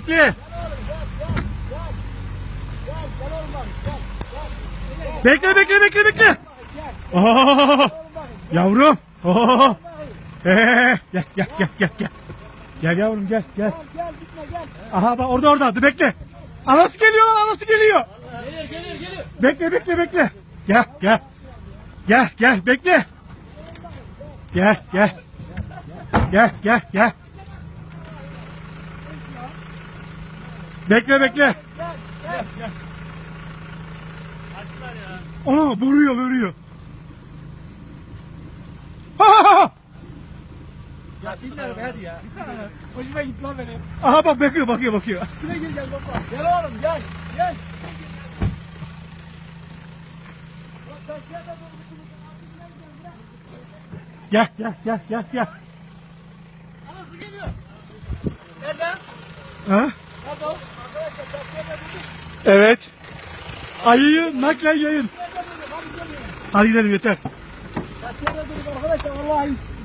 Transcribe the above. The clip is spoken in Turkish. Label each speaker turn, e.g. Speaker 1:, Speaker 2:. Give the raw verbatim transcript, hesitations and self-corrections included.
Speaker 1: bekle. Bekle bekle bekle bekle. Oo, yavrum. Oo. Ee, gel gel gel gel gel. Gel yavrum gel gel.
Speaker 2: Gel gitme gel.
Speaker 1: Aha bak orada orada. Dur bekle. Anası geliyor, anası geliyor.
Speaker 2: Geliyor geliyor geliyor.
Speaker 1: Bekle bekle bekle. Gel gel. Gel gel bekle. Gel gel. Gel gel gel. Bekle bekle.
Speaker 2: Gel gel.
Speaker 1: Ana vuruyor vuruyor. Ha ha ha.
Speaker 2: Ya dinler be hadi ya. Hoşuma gitti lan benim.
Speaker 1: Aha bak bakıyor bakıyor bakıyor.
Speaker 2: Şuraya gel gel baba. Gel oğlum gel. Gel.
Speaker 1: Gel gel gel gel gel.
Speaker 2: Anası geliyor. Nereden?
Speaker 1: Ha?
Speaker 2: Nerede o? Arkadaşlar taksiyede bulduk.
Speaker 1: Evet. Ayıyı naklen yayın.
Speaker 2: Nerede bulduk? Hadi gidelim.
Speaker 1: Hadi gidelim yeter.
Speaker 2: Taksiyede bulduk arkadaşlar vallahi.